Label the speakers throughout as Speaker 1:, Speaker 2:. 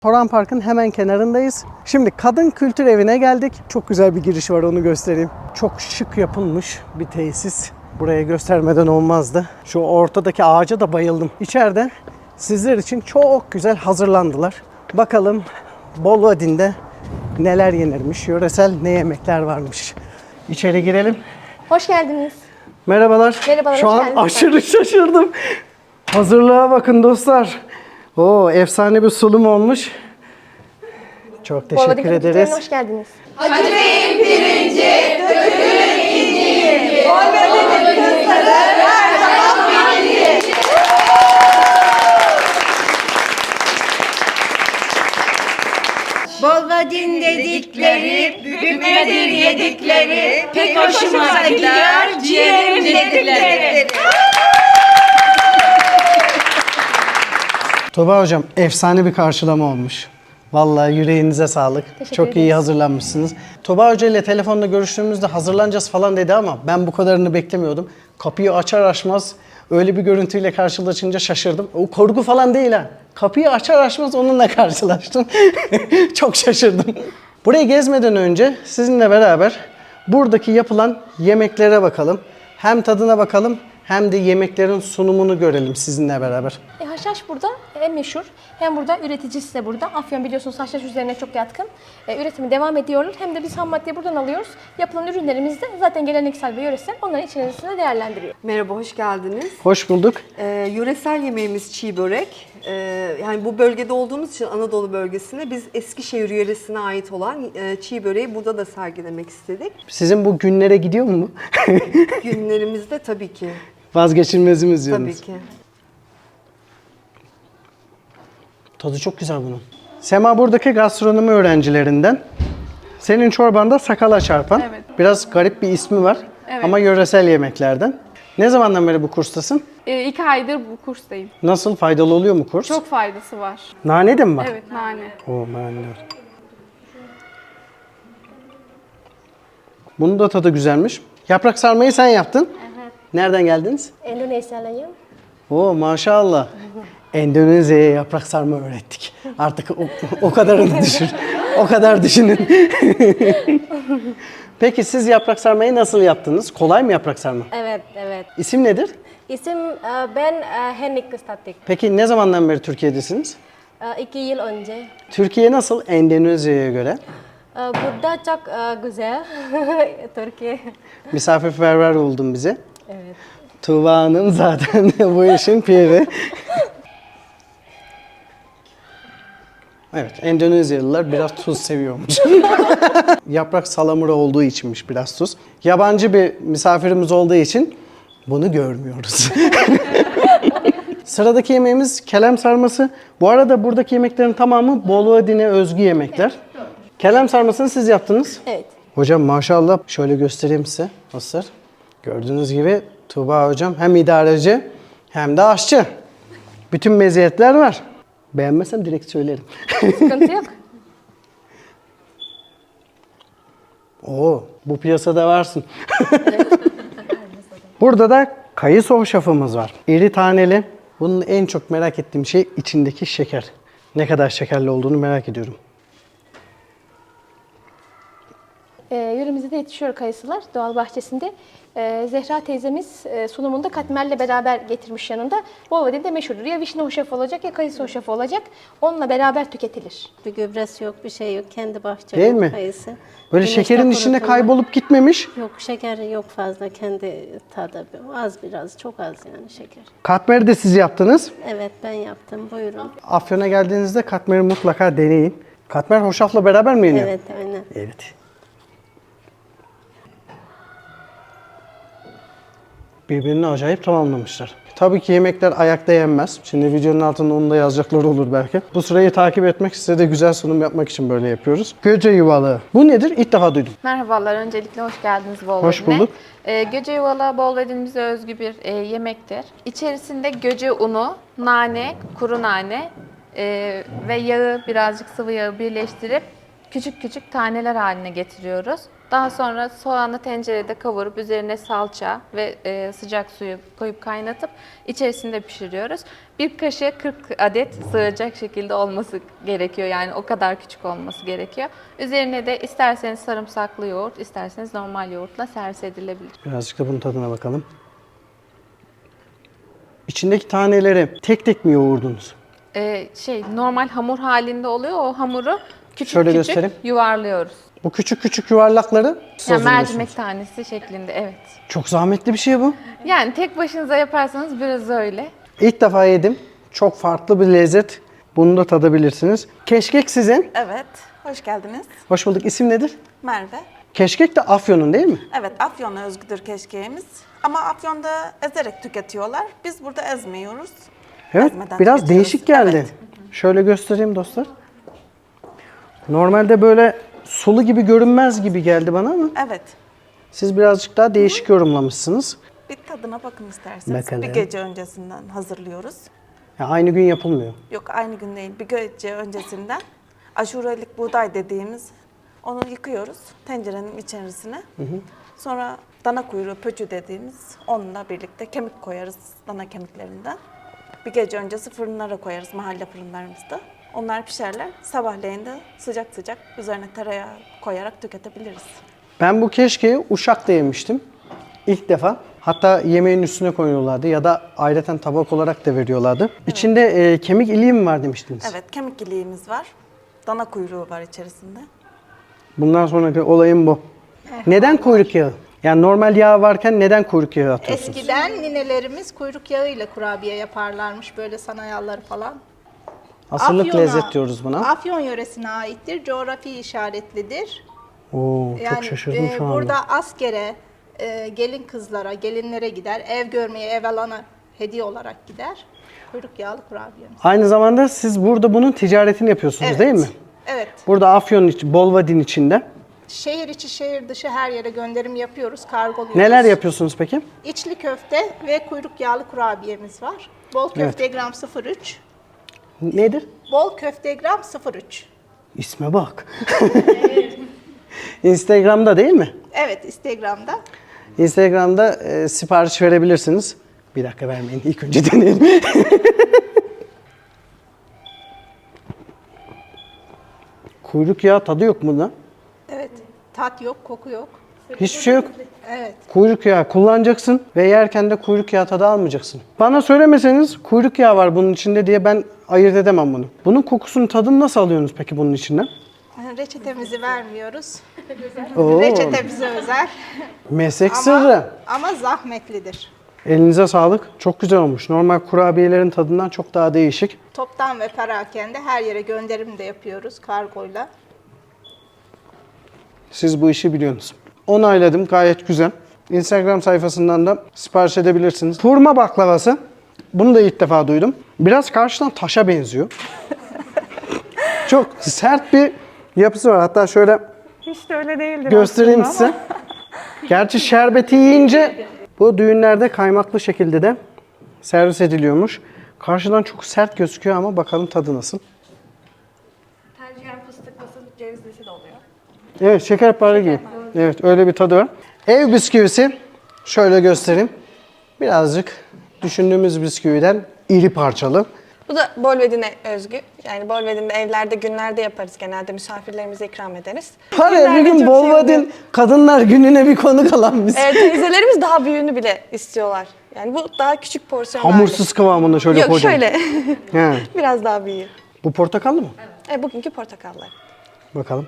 Speaker 1: Toran Park'ın hemen kenarındayız. Şimdi Kadın Kültür Evi'ne geldik. Çok güzel bir giriş var, onu göstereyim. Çok şık yapılmış bir tesis. Buraya göstermeden olmazdı. Şu ortadaki ağaca da bayıldım. İçeride sizler için çok güzel hazırlandılar. Bakalım Bolvadin'de neler yenirmiş, yöresel ne yemekler varmış. İçeri girelim.
Speaker 2: Hoş geldiniz.
Speaker 1: Merhabalar.
Speaker 2: Merhabalar,
Speaker 1: Şu
Speaker 2: hoş
Speaker 1: an
Speaker 2: geldiniz.
Speaker 1: aşırı şaşırdım. Hazırlığa bakın dostlar. Oo, efsane bir sunum olmuş. Çok teşekkür
Speaker 2: Bolvadin Kültür
Speaker 1: ederiz.
Speaker 2: Evi'ne hoş geldiniz.
Speaker 3: Bolvadin dedikleri, bükmedir yedikleri, pek hoşuma gidiyor ciğerim dedikleri.
Speaker 1: Tuğba Hocam, efsane bir karşılama olmuş. Vallahi yüreğinize sağlık. Çok iyi hazırlanmışsınız. Tuğba Hoca ile telefonda görüştüğümüzde hazırlanacağız falan dedi ama ben bu kadarını beklemiyordum. Kapıyı açar açmaz öyle bir görüntüyle karşılaşınca şaşırdım. O korku falan değil ha. Kapıyı açar açmaz onunla karşılaştım. Çok şaşırdım. Burayı gezmeden önce sizinle beraber buradaki yapılan yemeklere bakalım. Hem tadına bakalım hem de yemeklerin sunumunu görelim sizinle beraber.
Speaker 2: Haşhaş burada en meşhur. Hem burada üreticisi de burada. Afyon biliyorsunuz haşhaş üzerine çok yatkın. Üretimi devam ediyorlar. Hem de biz ham maddeyi buradan alıyoruz. Yapılan ürünlerimiz de zaten geleneksel ve yöresel. Onların içerisinde değerlendiriyor.
Speaker 4: Merhaba, hoş geldiniz.
Speaker 1: Hoş bulduk.
Speaker 4: Yöresel yemeğimiz çiğ börek. Yani bu bölgede olduğumuz için Anadolu bölgesinde biz Eskişehir yöresine ait olan çiğ böreği burada da sergilemek istedik.
Speaker 1: Sizin bu günlere gidiyor mu?
Speaker 4: Günlerimizde tabii ki.
Speaker 1: Vazgeçilmezimiz diyorsunuz.
Speaker 4: Tabii ki.
Speaker 1: Tadı çok güzel bunun. Sema buradaki gastronomi öğrencilerinden. Senin çorbanda sakala çarpan.
Speaker 5: Evet.
Speaker 1: Biraz garip bir ismi var
Speaker 5: Evet.
Speaker 1: ama yöresel yemeklerden. Ne zamandan beri bu kurstasın?
Speaker 5: 2 aydır bu kurstayım.
Speaker 1: Nasıl, faydalı oluyor mu kurs?
Speaker 5: Çok faydası var.
Speaker 1: Nane de mi var?
Speaker 5: Evet, nane.
Speaker 1: Oo, nane. Bunun da tadı güzelmiş. Yaprak sarmayı sen yaptın.
Speaker 2: Evet.
Speaker 1: Nereden geldiniz?
Speaker 2: Endonezyalıyım.
Speaker 1: Oo, maşallah. Endonezya'ya yaprak sarma öğrettik. Artık o kadarını düşün. O kadar düşünün. Peki siz yaprak sarmayı nasıl yaptınız? Kolay mı yaprak sarma?
Speaker 2: Evet, evet.
Speaker 1: İsim nedir?
Speaker 2: İsim ben Henrik Statik.
Speaker 1: Peki ne zamandan beri Türkiye'desiniz?
Speaker 2: 2 yıl önce.
Speaker 1: Türkiye nasıl Endonezya'ya göre?
Speaker 2: Burada çok güzel. Türkiye.
Speaker 1: Misafirperver oldun bize.
Speaker 2: Evet.
Speaker 1: Tuğba Hanım zaten bu işin piri. Evet, Endonezyalılar biraz tuz seviyormuş. Yaprak salamura olduğu içinmiş biraz tuz. Yabancı bir misafirimiz olduğu için bunu görmüyoruz. Sıradaki yemeğimiz kelem sarması. Bu arada buradaki yemeklerin tamamı Bolvadin'e özgü yemekler. Kelem sarmasını siz yaptınız.
Speaker 2: Evet.
Speaker 1: Hocam maşallah, şöyle göstereyim size. Nasıl? Gördüğünüz gibi Tuğba hocam hem idareci hem de aşçı. Bütün meziyetler var. Beğenmezsem direkt söylerim.
Speaker 2: Sıkıntı yok.
Speaker 1: Oo, bu piyasada varsın. Burada da kayısı hoşafımız var. İri taneli. Bunun en çok merak ettiğim şey içindeki şeker. Ne kadar şekerli olduğunu merak ediyorum.
Speaker 2: Yöremizde de yetişiyor kayısılar doğal bahçesinde. Zehra teyzemiz sunumunda katmerle beraber getirmiş yanında. Bolvadin'de meşhurdur. Ya vişne hoşafı olacak ya kayısı hoşafı olacak. Onunla beraber tüketilir.
Speaker 6: Bir gübresi yok, bir şey yok. Kendi bahçeli
Speaker 1: Değil mi?
Speaker 6: kayısı.
Speaker 1: Böyle
Speaker 6: Güneşte
Speaker 1: şekerin içinde
Speaker 6: kurutulma.
Speaker 1: kaybolup gitmemiş.
Speaker 6: Yok, şeker yok fazla. Kendi tadı az, biraz çok az yani şeker.
Speaker 1: Katmeri de siz yaptınız.
Speaker 6: Evet, ben yaptım. Buyurun.
Speaker 1: Afyon'a geldiğinizde katmeri mutlaka deneyin. Katmer hoşafla beraber mi yeniyor?
Speaker 6: Evet, aynen.
Speaker 1: Evet. Birbirini acayip tamamlamışlar. Tabii ki yemekler ayakta yenmez. Şimdi videonun altında onu da yazacakları olur belki. Bu sırayı takip etmek, size de güzel sunum yapmak için böyle yapıyoruz. Göce yuvalı. Bu nedir? İlk defa duydum.
Speaker 5: Merhabalar, öncelikle hoş geldiniz Bolvadin'e.
Speaker 1: Hoş bulduk.
Speaker 5: Göce yuvala Bolvadin'imize özgü bir yemektir. İçerisinde göce unu, nane, kuru nane ve yağı, birazcık sıvı yağı birleştirip küçük küçük taneler haline getiriyoruz. Daha sonra soğanı tencerede kavurup üzerine salça ve sıcak suyu koyup kaynatıp içerisinde pişiriyoruz. Bir kaşığa 40 adet sığacak şekilde olması gerekiyor. Yani o kadar küçük olması gerekiyor. Üzerine de isterseniz sarımsaklı yoğurt, isterseniz normal yoğurtla servis edilebilir.
Speaker 1: Birazcık da bunun tadına bakalım. İçindeki taneleri tek tek mi yoğurdunuz?
Speaker 5: Normal hamur halinde oluyor. O hamuru küçük
Speaker 1: Şöyle
Speaker 5: küçük
Speaker 1: göstereyim.
Speaker 5: yuvarlıyoruz.
Speaker 1: Bu küçük küçük yuvarlakları siz
Speaker 5: Yani
Speaker 1: hazırlıyorsunuz.
Speaker 5: mercimek tanesi şeklinde, evet.
Speaker 1: Çok zahmetli bir şey bu.
Speaker 5: Yani tek başınıza yaparsanız biraz öyle.
Speaker 1: İlk defa yedim. Çok farklı bir lezzet. Bunu da tadabilirsiniz. Keşkek sizin.
Speaker 7: Evet, hoş geldiniz.
Speaker 1: Hoş bulduk. İsim nedir?
Speaker 7: Merve.
Speaker 1: Keşkek de Afyon'un değil mi?
Speaker 7: Evet, Afyon'a özgüdür keşkeğimiz. Ama Afyon'da ezerek tüketiyorlar. Biz burada ezmiyoruz.
Speaker 1: Evet.
Speaker 7: Ezmeden
Speaker 1: Biraz
Speaker 7: tüketiyoruz.
Speaker 1: değişik geldi.
Speaker 7: Evet.
Speaker 1: Şöyle göstereyim dostlar. Normalde böyle sulu gibi görünmez gibi geldi bana ama
Speaker 7: Evet,
Speaker 1: siz birazcık daha değişik yorumlamışsınız.
Speaker 7: bir tadına bakın isterseniz.
Speaker 1: Bakalım.
Speaker 7: Bir gece öncesinden hazırlıyoruz.
Speaker 1: Ya aynı gün yapılmıyor.
Speaker 7: Yok, aynı gün değil, bir gece öncesinden. Aşurelik buğday dediğimiz, onu yıkıyoruz tencerenin içerisine. Sonra dana kuyruğu pöçü dediğimiz, onunla birlikte kemik koyarız, dana kemiklerinden. Bir gece öncesi fırınlara koyarız, mahalle fırınlarımızda. Onlar pişerler. Sabahleyin de sıcak sıcak üzerine tereyağı koyarak tüketebiliriz.
Speaker 1: Ben bu keşkeği Uşak'ta yemiştim. İlk defa. Hatta yemeğin üstüne koyuyorlardı ya da ayrıca tabak olarak da veriyorlardı. İçinde kemik iliği mi var demiştiniz?
Speaker 7: Evet, kemik iliğimiz var. Dana kuyruğu var içerisinde.
Speaker 1: Bundan sonraki olayım bu. Neden kuyruk yağı? Yani normal yağ varken neden kuyruk yağı atıyorsunuz?
Speaker 8: Eskiden ninelerimiz kuyruk yağıyla kurabiye yaparlarmış, böyle sanayalları falan.
Speaker 1: Asırlık
Speaker 8: Afyon'a-
Speaker 1: lezzet diyoruz buna.
Speaker 8: Afyon yöresine aittir, coğrafi işaretlidir.
Speaker 1: Oo, çok
Speaker 8: Yani
Speaker 1: şaşırdım şu anda.
Speaker 8: burada askere, gelin kızlara, gelinlere gider, ev görmeye, ev alana hediye olarak gider. Kuyruk yağlı kurabiyemiz.
Speaker 1: Aynı zamanda siz burada bunun ticaretini yapıyorsunuz
Speaker 8: Evet.
Speaker 1: değil mi?
Speaker 8: Evet.
Speaker 1: Burada Afyon için, Bolvadin içinde.
Speaker 8: Şehir içi, şehir dışı her yere gönderim yapıyoruz, kargoluyoruz.
Speaker 1: Neler yapıyorsunuz peki?
Speaker 8: İçli köfte ve kuyruk yağlı kurabiyemiz var. Bol köfte gram 03.
Speaker 1: Nedir?
Speaker 8: Bol köfte gram 03.
Speaker 1: İsme bak. Instagram'da değil mi?
Speaker 8: Evet, Instagram'da.
Speaker 1: Instagram'da sipariş verebilirsiniz. Bir dakika vermeyin. İlk önce deneyelim. Kuyruk yağı tadı yok bunda.
Speaker 8: Evet, tat yok, koku yok.
Speaker 1: Hiçbir şey yok.
Speaker 8: Evet.
Speaker 1: Kuyruk yağı kullanacaksın ve yerken de kuyruk yağı tadı almayacaksın. Bana söylemeseniz kuyruk yağı var bunun içinde diye ben ayırt edemem bunu. Bunun kokusunu, tadını nasıl alıyorsunuz peki bunun içinden?
Speaker 8: Reçetemizi vermiyoruz.
Speaker 1: Oo,
Speaker 8: Reçete bize özel.
Speaker 1: meslek sırrı.
Speaker 8: Ama zahmetlidir.
Speaker 1: Elinize sağlık. Çok güzel olmuş. Normal kurabiyelerin tadından çok daha değişik.
Speaker 8: Toptan ve perakende her yere gönderim de yapıyoruz kargoyla.
Speaker 1: Siz bu işi biliyorsunuz. Onayladım. Gayet güzel. Instagram sayfasından da sipariş edebilirsiniz. Hurma baklavası. Bunu da ilk defa duydum. Biraz karşıdan taşa benziyor. Çok sert bir yapısı var. Hatta şöyle
Speaker 9: Hiç de öyle değildir
Speaker 1: göstereyim
Speaker 9: aslında
Speaker 1: size. Gerçi şerbeti yiyince bu düğünlerde kaymaklı şekilde de servis ediliyormuş. Karşıdan çok sert gözüküyor ama bakalım tadı nasıl.
Speaker 9: Tercihen fıstıklısı, cevizlisi de oluyor.
Speaker 1: Evet, şekerpare gibi. Evet, öyle bir tadı var. Ev bisküvisi. Şöyle göstereyim. Birazcık düşündüğümüz bisküviden iri parçalı.
Speaker 10: Bu da Bolvedin'e özgü. Yani Bolvedin'de evlerde günlerde yaparız genelde. Misafirlerimize ikram ederiz.
Speaker 1: Var ya bir
Speaker 10: Günlerde
Speaker 1: gün
Speaker 10: çok
Speaker 1: Bolvadin
Speaker 10: seviyorum.
Speaker 1: kadınlar gününe bir konuk alan biz.
Speaker 10: Teyzelerimiz daha büyüğünü bile istiyorlar. Yani bu daha küçük porsiyon
Speaker 1: Hamursuz kıvamında şöyle
Speaker 10: Yok
Speaker 1: kocaman.
Speaker 10: şöyle.
Speaker 1: He.
Speaker 10: Biraz daha büyüğü.
Speaker 1: Bu portakallı mı?
Speaker 10: Bugünkü portakallar.
Speaker 1: Bakalım.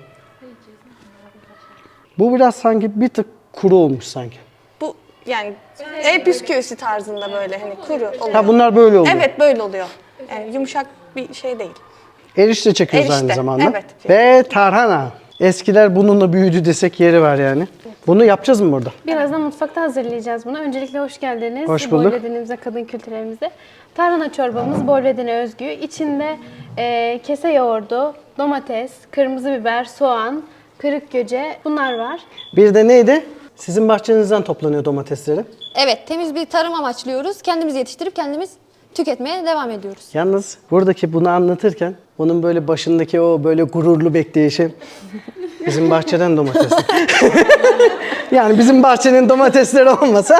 Speaker 1: Bu biraz sanki bir tık kuru olmuş sanki.
Speaker 10: Bu yani ev bisküvisi tarzında böyle hani kuru oluyor.
Speaker 1: Ha bunlar böyle oluyor.
Speaker 10: Evet böyle oluyor. Yani yumuşak bir şey değil.
Speaker 1: Erişte çekiyoruz
Speaker 10: Erişte,
Speaker 1: aynı zamanda.
Speaker 10: evet.
Speaker 1: Ve tarhana. Eskiler bununla büyüdü desek yeri var yani. Bunu yapacağız mı burada?
Speaker 2: Birazdan mutfakta hazırlayacağız bunu. Öncelikle hoş geldiniz.
Speaker 1: Hoş bulduk.
Speaker 2: Bolvedin'imize, kadın kültürlerimize. Tarhana çorbamız Bolvedin'e özgü. İçinde kese yoğurdu, domates, kırmızı biber, soğan, kırık göce bunlar var.
Speaker 1: Bir de neydi? Sizin bahçenizden toplanıyor domatesleri.
Speaker 11: Evet, temiz bir tarım amaçlıyoruz. Kendimiz yetiştirip kendimiz tüketmeye devam ediyoruz.
Speaker 1: Yalnız buradaki bunu anlatırken onun böyle başındaki o böyle gururlu bekleyişi Bizim bahçeden domates. Yani bizim bahçenin domatesleri olmasa.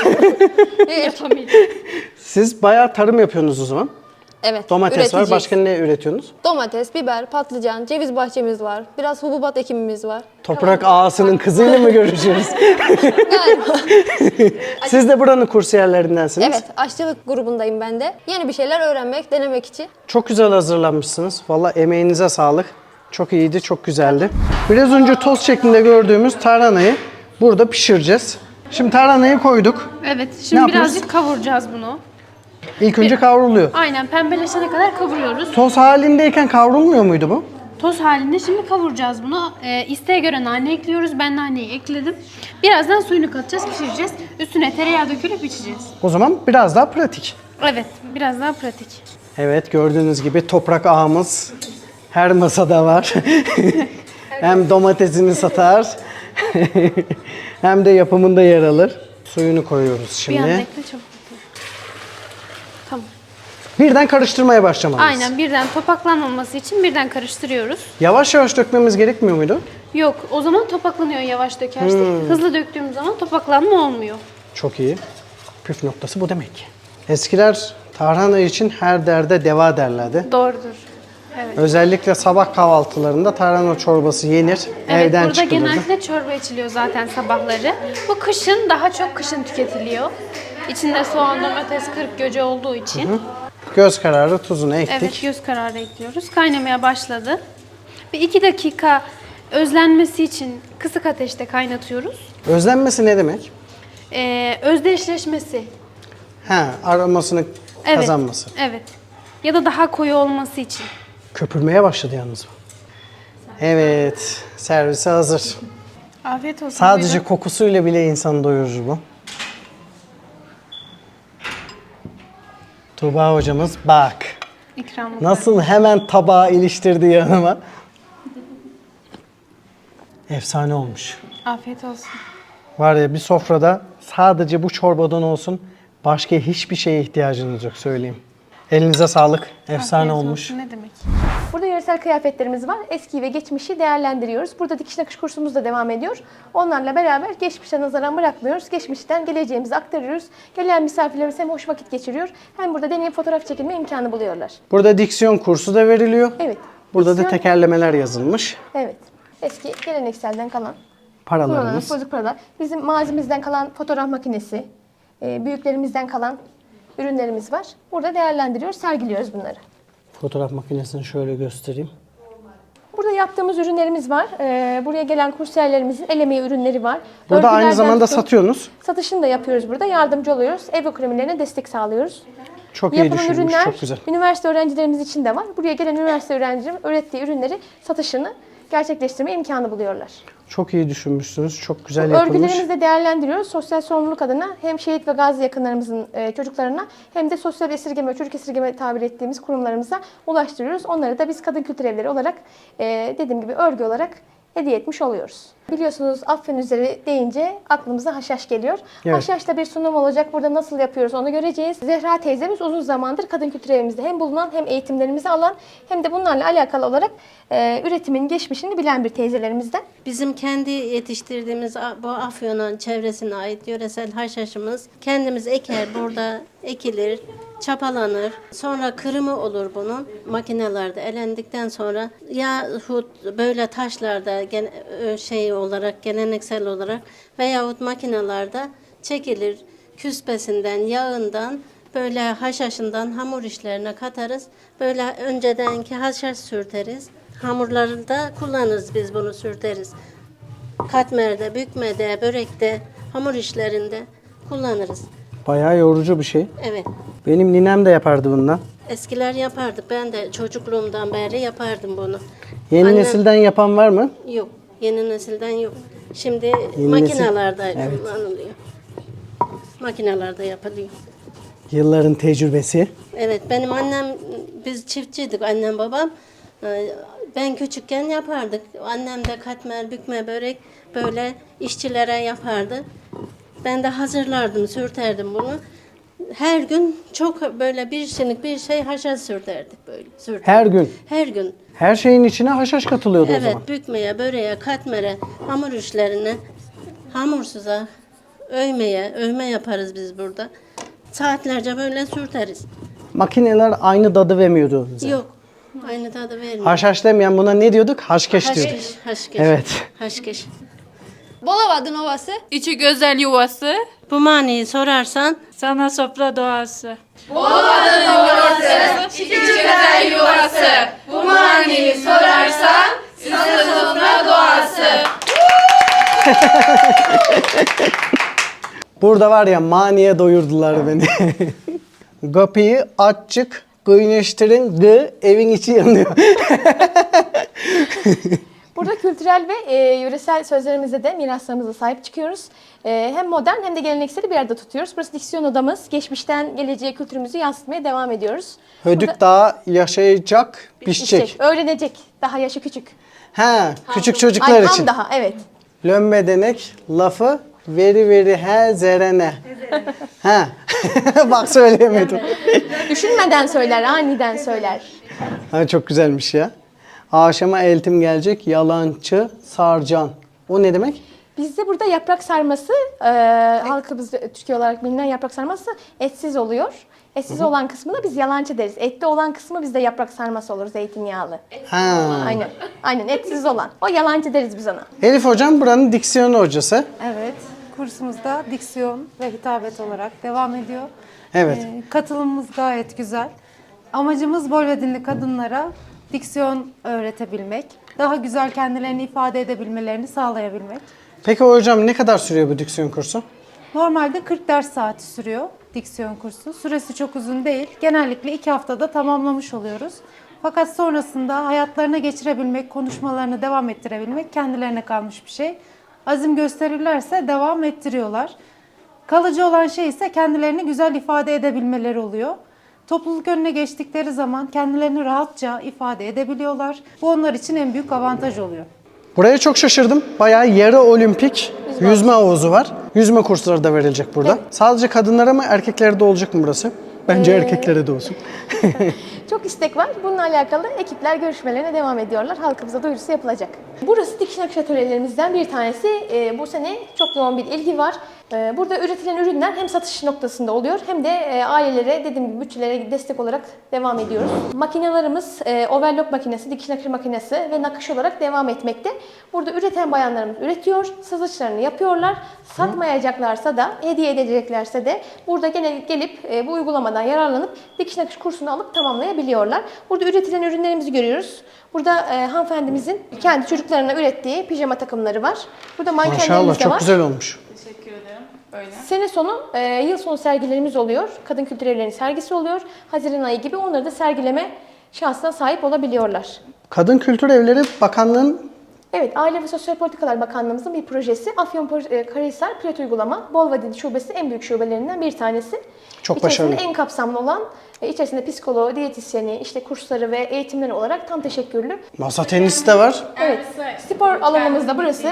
Speaker 1: Siz bayağı tarım yapıyorsunuz o zaman.
Speaker 11: Evet.
Speaker 1: Domates var.
Speaker 11: üreteceğiz.
Speaker 1: Başka ne üretiyorsunuz?
Speaker 11: Domates, biber, patlıcan, ceviz bahçemiz var. Biraz hububat ekimimiz var.
Speaker 1: Toprak ağasının kızıyla mı görüşüyoruz?
Speaker 11: Galiba.
Speaker 1: Siz de buranın kursiyerlerindensiniz.
Speaker 11: Evet, aşçılık grubundayım ben de. Yeni bir şeyler öğrenmek, denemek için.
Speaker 1: Çok güzel hazırlanmışsınız. Vallahi emeğinize sağlık. Çok iyiydi, çok güzeldi. Biraz önce toz şeklinde gördüğümüz tarhanayı burada pişireceğiz. Şimdi tarhanayı koyduk.
Speaker 12: Evet,
Speaker 1: Ne
Speaker 12: şimdi
Speaker 1: yapıyoruz?
Speaker 12: birazcık kavuracağız bunu.
Speaker 1: İlk önce kavruluyor.
Speaker 12: Aynen, pembeleşene kadar kavuruyoruz.
Speaker 1: Toz halindeyken kavrulmuyor muydu bu?
Speaker 12: Toz halinde şimdi kavuracağız bunu. İsteğe göre nane ekliyoruz. Ben naneyi ekledim. Birazdan suyunu katacağız, pişireceğiz. Üstüne tereyağı dökülüp içeceğiz.
Speaker 1: O zaman biraz daha pratik.
Speaker 12: Evet, biraz daha pratik.
Speaker 1: Evet, gördüğünüz gibi toprak ağamız her masada var. Hem domatesini satar hem de yapımında yer alır. Suyunu koyuyoruz
Speaker 12: Bir
Speaker 1: şimdi.
Speaker 12: anda ekle, çabuk. Tamam.
Speaker 1: Birden karıştırmaya başlamalıyız.
Speaker 12: Aynen, birden topaklanmaması için birden karıştırıyoruz.
Speaker 1: Yavaş yavaş dökmemiz gerekmiyor muydu?
Speaker 12: Yok, o zaman topaklanıyor yavaş dökersek. Hızlı döktüğümüz zaman topaklanma olmuyor.
Speaker 1: Çok iyi. Püf noktası bu demek ki. Eskiler tarhana için her derde deva derlerdi.
Speaker 12: Doğrudur. Evet.
Speaker 1: Özellikle sabah kahvaltılarında tarhana çorbası yenir,
Speaker 12: Evet,
Speaker 1: evden
Speaker 12: burada
Speaker 1: çıkılırdı.
Speaker 12: genellikle çorba içiliyor zaten sabahları. Bu kışın, daha çok kışın tüketiliyor. İçinde soğan, domates, kırık göce olduğu için.
Speaker 1: Göz kararı tuzunu ektik.
Speaker 12: Evet, göz kararı ekliyoruz. Kaynamaya başladı. Bir 2 dakika özlenmesi için kısık ateşte kaynatıyoruz.
Speaker 1: Özlenmesi ne demek?
Speaker 12: Özdeşleşmesi.
Speaker 1: Aromasını
Speaker 12: Evet,
Speaker 1: kazanması.
Speaker 12: evet. Ya da daha koyu olması için.
Speaker 1: Köpürmeye başladı yalnız bu. Evet, servise hazır.
Speaker 12: Afiyet olsun.
Speaker 1: Sadece
Speaker 12: buyurun.
Speaker 1: kokusuyla bile insanı doyurur bu. Tuğba hocamız bak.
Speaker 12: İkramlık.
Speaker 1: Nasıl hemen tabağı iliştirdi yanıma. Efsane olmuş.
Speaker 12: Afiyet olsun.
Speaker 1: Var ya, bir sofrada sadece bu çorbadan olsun başka hiçbir şeye ihtiyacınız yok, söyleyeyim. Elinize sağlık. Efsane
Speaker 12: Afiyet
Speaker 1: olmuş.
Speaker 12: olsun, ne demek.
Speaker 2: Burada yöresel kıyafetlerimiz var. Eski ve geçmişi değerlendiriyoruz. Burada dikiş nakış kursumuz da devam ediyor. Onlarla beraber geçmişe nazaran bırakmıyoruz. Geçmişten geleceğimizi aktarıyoruz. Gelen misafirlerimiz hem hoş vakit geçiriyor hem burada deneyim fotoğraf çekilme imkanı buluyorlar.
Speaker 1: Burada diksiyon kursu da veriliyor.
Speaker 2: Evet.
Speaker 1: Burada da
Speaker 2: diksiyon-
Speaker 1: tekerlemeler yazılmış.
Speaker 2: Evet. Eski gelenekselden kalan kullanılan
Speaker 1: Paralarımız.
Speaker 2: bozuk paralar. Bizim mazimizden kalan fotoğraf makinesi, büyüklerimizden kalan ürünlerimiz var. Burada değerlendiriyoruz, sergiliyoruz bunları.
Speaker 1: Fotoğraf makinesini şöyle göstereyim.
Speaker 2: Burada yaptığımız ürünlerimiz var. Buraya gelen kursiyerlerimizin el emeği ürünleri var.
Speaker 1: Burada aynı
Speaker 2: Örgülerden
Speaker 1: zamanda
Speaker 2: tutun,
Speaker 1: satıyorsunuz.
Speaker 2: satışını da yapıyoruz burada. Yardımcı oluyoruz. Ev ekonomilerine destek sağlıyoruz.
Speaker 1: Çok iyi
Speaker 2: Yapılan
Speaker 1: düşünmüş,
Speaker 2: ürünler
Speaker 1: çok güzel.
Speaker 2: üniversite öğrencilerimiz için de var. Buraya gelen üniversite öğrencilerim ürettiği ürünleri satışını gerçekleştirme imkanı buluyorlar.
Speaker 1: Çok iyi düşünmüşsünüz. Çok güzel yapılmış.
Speaker 2: Örgülerimizi de değerlendiriyoruz. Sosyal sorumluluk adına hem şehit ve gazi yakınlarımızın çocuklarına hem de sosyal esirgeme, çocuk esirgeme tabir ettiğimiz kurumlarımıza ulaştırıyoruz. Onları da biz kadın kültür evleri olarak dediğim gibi örgü olarak hediye etmiş oluyoruz. Biliyorsunuz Afyon üzeri deyince aklımıza haşhaş geliyor.
Speaker 1: Evet.
Speaker 2: Haşhaşta bir sunum olacak. Burada nasıl yapıyoruz onu göreceğiz. Zehra teyzemiz uzun zamandır kadın kültür evimizde hem bulunan hem eğitimlerimizi alan hem de bunlarla alakalı olarak üretimin geçmişini bilen bir teyzelerimizden.
Speaker 6: Bizim kendi yetiştirdiğimiz bu Afyon'un çevresine ait yöresel haşhaşımız kendimiz eker, burada ekilir, çapalanır. Sonra kırımı olur bunun. Makinelerde elendikten sonra yahut böyle taşlarda olarak geleneksel olarak veyahut makinelerde çekilir. Küspesinden, yağından böyle haşhaşından hamur işlerine katarız. Böyle öncedenki haşhaş sürteriz. Hamurları da kullanırız, biz bunu sürteriz. Katmerde, bükmede, börekte, hamur işlerinde kullanırız.
Speaker 1: Bayağı yorucu bir şey.
Speaker 6: Evet.
Speaker 1: Benim ninem de yapardı bundan.
Speaker 6: Eskiler yapardı. Ben de çocukluğumdan beri yapardım bunu.
Speaker 1: Yeni
Speaker 6: Annem-
Speaker 1: nesilden yapan var mı?
Speaker 6: Yok. Yeni nesilden yok. Şimdi
Speaker 1: Yeni
Speaker 6: makinelerde
Speaker 1: nesil- evet.
Speaker 6: kullanılıyor. Makinelerde yapılıyor.
Speaker 1: Yılların tecrübesi.
Speaker 6: Evet, benim annem, biz çiftçiydik, annem babam. Ben küçükken yapardık. Annem de katmer, bükme, börek böyle işçilere yapardı. Ben de hazırlardım, sürterdim bunu. her gün çok böyle bir şeylik bir şey haşa sürterdik böyle. Sürterdik.
Speaker 1: Her gün.
Speaker 6: Her gün.
Speaker 1: Her şeyin içine haşhaş katılıyordu o
Speaker 6: Evet,
Speaker 1: zaman.
Speaker 6: bükmeye, böreğe, katmere, hamur işlerine, hamursuza, övme yaparız biz burada. Saatlerce böyle sürteriz.
Speaker 1: Makineler aynı tadı vermiyordu bize.
Speaker 6: Yok, aynı tadı vermiyor.
Speaker 1: Haşhaş demeyen buna ne diyorduk? Haşkeş diyorduk.
Speaker 6: Haşkeş.
Speaker 1: Evet.
Speaker 6: Haşkeş.
Speaker 11: Bolavadın Ovası.
Speaker 13: İçi güzel yuvası,
Speaker 6: Bu maniyi sorarsan
Speaker 13: sana sofra doğası.
Speaker 5: İçi güzel yuvası. Bu maniyi sorarsan sana sofra doğası.
Speaker 1: Burada var ya maniye doyurdular beni. Kapıyı açık, kıyneştirin, evin içi yanıyor.
Speaker 2: Burada kültürel ve yöresel sözlerimizde de miraslarımıza sahip çıkıyoruz. Hem modern hem de gelenekseli bir arada tutuyoruz. Burası diksiyon odamız. Geçmişten geleceğe kültürümüzü yansıtmaya devam ediyoruz.
Speaker 1: Hödük daha yaşayacak, pişecek.
Speaker 2: Öğrenecek. Daha yaşı küçük.
Speaker 1: Ha, küçük çocuklar
Speaker 2: Ay,
Speaker 1: için.
Speaker 2: tam daha, evet.
Speaker 1: Lömbe denek lafı veri he zerene. Ha. Bak söyleyemedim.
Speaker 2: Düşünmeden söyler, aniden söyler.
Speaker 1: Ha, çok güzelmiş ya. Akşama eltim gelecek yalancı sarcan. O ne demek?
Speaker 2: Bizde burada yaprak sarması, halkımız Türkiye olarak bilinen yaprak sarması etsiz oluyor. Etsiz olan kısmına biz yalancı deriz. Etli olan kısmı bizde yaprak sarması olur, zeytinyağlı.
Speaker 1: Ha.
Speaker 2: Aynen. Aynen, etsiz olan. O yalancı deriz biz ona.
Speaker 1: Elif hocam buranın diksiyon hocası.
Speaker 14: Evet, kursumuzda diksiyon ve hitabet olarak devam ediyor.
Speaker 1: Evet.
Speaker 14: Katılımımız gayet güzel. Amacımız Bolvedinli kadınlara diksiyon öğretebilmek, daha güzel kendilerini ifade edebilmelerini sağlayabilmek.
Speaker 1: Peki hocam ne kadar sürüyor bu diksiyon kursu?
Speaker 14: Normalde 40 ders saati sürüyor diksiyon kursu. Süresi çok uzun değil. Genellikle 2 haftada tamamlamış oluyoruz. Fakat sonrasında hayatlarına geçirebilmek, konuşmalarını devam ettirebilmek kendilerine kalmış bir şey. Azim gösterirlerse devam ettiriyorlar. Kalıcı olan şey ise kendilerini güzel ifade edebilmeleri oluyor. Topluluk önüne geçtikleri zaman kendilerini rahatça ifade edebiliyorlar. Bu onlar için en büyük avantaj oluyor.
Speaker 1: Buraya çok şaşırdım. Bayağı yarı olimpik yüzme havuzu var. Yüzme kursları da verilecek burada. Sadece kadınlara mı erkeklere de olacak mı burası? Bence erkeklere de olsun.
Speaker 2: Çok istek var. Bununla alakalı ekipler görüşmelerine devam ediyorlar. Halkımıza duyurusu yapılacak. Burası dikiş nakış atölyelerimizden bir tanesi. Bu sene çok yoğun bir ilgi var. Burada üretilen ürünler hem satış noktasında oluyor hem de ailelere, dediğim gibi bütçelere destek olarak devam ediyoruz. Makinelerimiz overlock makinesi, dikiş nakış makinesi ve nakış olarak devam etmekte. Burada üreten bayanlarımız üretiyor, satışlarını yapıyorlar. Satmayacaklarsa da, hediye edeceklerse de burada gene gelip bu uygulamadan yararlanıp dikiş nakış kursunu alıp tamamlayabiliyorlar. Burada üretilen ürünlerimizi görüyoruz. Burada hanımefendimizin kendi çocuklarına ürettiği pijama takımları var. Burada mankenlerimiz
Speaker 1: Maşallah
Speaker 2: de var.
Speaker 1: çok güzel olmuş.
Speaker 5: Teşekkür ederim. Böyle.
Speaker 2: Sene sonu, yıl sonu sergilerimiz oluyor. Kadın Kültür Evleri'nin sergisi oluyor. Haziran ayı gibi onları da sergileme şansına sahip olabiliyorlar.
Speaker 1: Kadın Kültür Evleri Bakanlığı'nın
Speaker 2: Evet, Aile ve Sosyal Politikalar Bakanlığımızın bir projesi. Afyonkarahisar Pilot Uygulama, Bolvadin Şubesi en büyük şubelerinden bir tanesi.
Speaker 1: Çok başarılı.
Speaker 2: İçerisinde en kapsamlı olan, içerisinde psikoloğu, diyetisyeni, işte kursları ve eğitimleri olarak tam teşekkürlü.
Speaker 1: masa tenisi de var.
Speaker 2: Evet, spor alanımız da burası.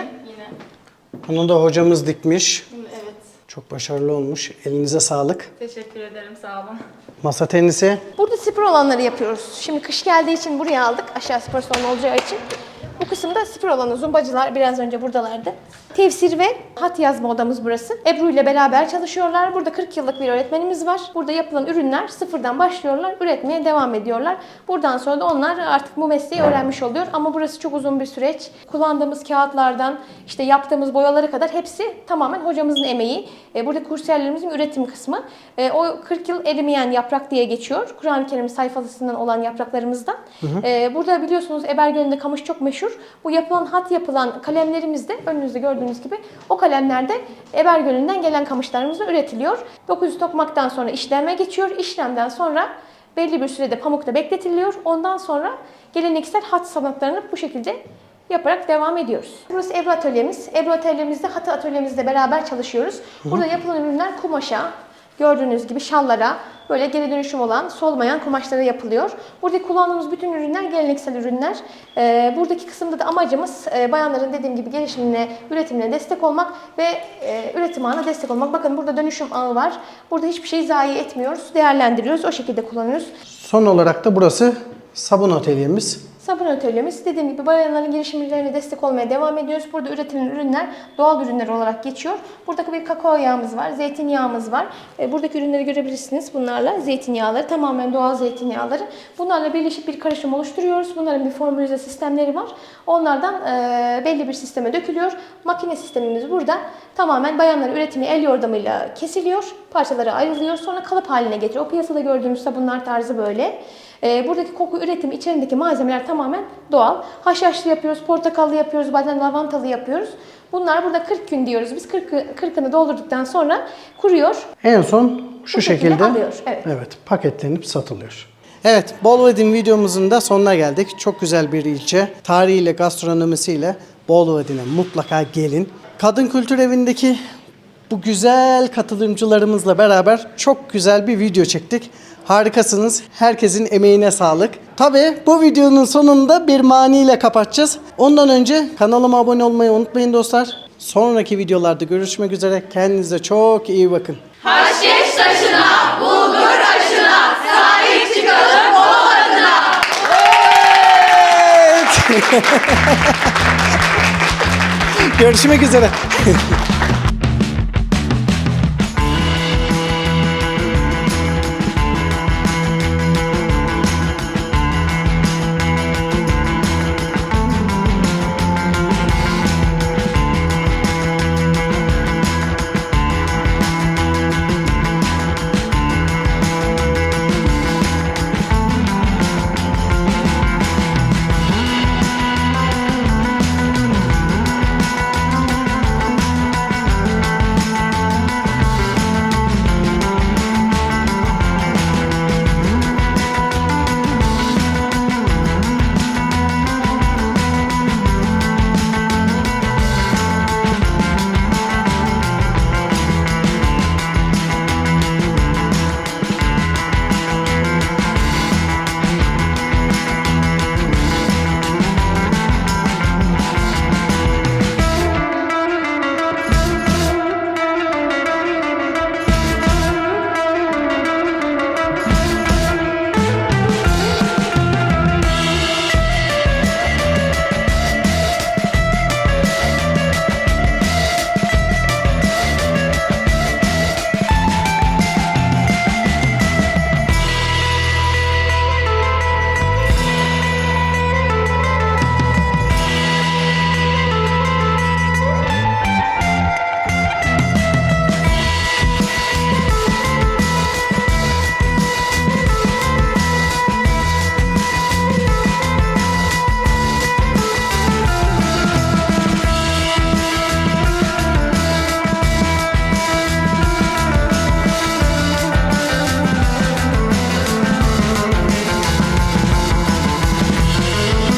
Speaker 1: Bunu da hocamız dikmiş. Evet. Çok başarılı olmuş. Elinize sağlık.
Speaker 5: Teşekkür ederim, sağ olun.
Speaker 1: Masa tenisi.
Speaker 2: Burada spor alanları yapıyoruz. Şimdi kış geldiği için buraya aldık. Aşağı spor salonu olacağı için. Bu kısımda spor alanı, zumbacılar biraz önce buradalardı. Tefsir ve hat yazma odamız burası. Ebru ile beraber çalışıyorlar. Burada 40 yıllık bir öğretmenimiz var. Burada yapılan ürünler sıfırdan başlıyorlar, üretmeye devam ediyorlar. Buradan sonra da onlar artık bu mesleği öğrenmiş oluyor. Ama burası çok uzun bir süreç. Kullandığımız kağıtlardan, işte yaptığımız boyalara kadar hepsi tamamen hocamızın emeği. Burada kursiyerlerimizin üretim kısmı. O 40 yıl erimeyen yaprak diye geçiyor. Kur'an-ı Kerim sayfasından olan yapraklarımızdan. Burada biliyorsunuz Ebergöl'ünde kamış çok meşhur. Bu yapılan hat yapılan kalemlerimiz de önünüzde gördüğünüz gibi o kalemlerde Ebergöl'ünden gelen kamışlarımızla üretiliyor. 900 tokmaktan sonra işleme geçiyor. İşlemden sonra belli bir sürede pamukta bekletiliyor. Ondan sonra geleneksel hat sanatlarını bu şekilde yaparak devam ediyoruz. Burası Ebru atölyemiz. Ebru atölyemizde, hat atölyemizle beraber çalışıyoruz. Burada yapılan ürünler kumaşa, gördüğünüz gibi şallara, böyle geri dönüşüm olan, solmayan kumaşlara yapılıyor. Buradaki kullandığımız bütün ürünler geleneksel ürünler. Buradaki kısımda da amacımız bayanların dediğim gibi gelişimine, üretimine destek olmak ve üretim ağına destek olmak. Bakın burada dönüşüm ağı var. Burada hiçbir şey zayi etmiyoruz, değerlendiriyoruz, o şekilde kullanıyoruz.
Speaker 1: Son olarak da burası sabun atölyemiz.
Speaker 2: Sabun atölyemiz, dediğim gibi bayanların girişimlerine destek olmaya devam ediyoruz. Burada üretilen ürünler doğal ürünler olarak geçiyor. Burada bir kakao yağımız var, zeytinyağımız var. Buradaki ürünleri görebilirsiniz bunlarla. Zeytinyağları, tamamen doğal zeytinyağları. Bunlarla birleşip bir karışım oluşturuyoruz. Bunların bir formülize sistemleri var. Onlardan belli bir sisteme dökülüyor. Makine sistemimiz burada. Tamamen bayanların üretimi el yordamıyla kesiliyor. Parçalara ayrılıyor. Sonra kalıp haline getiriyor. O piyasada gördüğümüz sabunlar tarzı böyle. Buradaki koku üretimi içerisindeki malzemeler tamamen doğal. Haşhaşlı yapıyoruz, portakallı yapıyoruz, bazen lavantalı yapıyoruz. Bunlar burada 40 gün diyoruz. Biz 40'ını doldurduktan sonra kuruyor.
Speaker 1: En son şu şekilde
Speaker 2: alıyor.
Speaker 1: Evet, paketlenip satılıyor. Evet, Bolvedin videomuzun da sonuna geldik. Çok güzel bir ilçe. Tarihiyle, gastronomisiyle Bolvedin'e mutlaka gelin. Kadın Kültür Evi'ndeki bu güzel katılımcılarımızla beraber çok güzel bir video çektik. Harikasınız. Herkesin emeğine sağlık. Tabii bu videonun sonunda bir maniyle kapatacağız. Ondan önce kanalıma abone olmayı unutmayın dostlar. Sonraki videolarda görüşmek üzere. Kendinize çok iyi bakın.
Speaker 3: Haşhaş taşına, bulgur aşına, sahip çıkalım Bolu adına.
Speaker 1: Görüşmek üzere.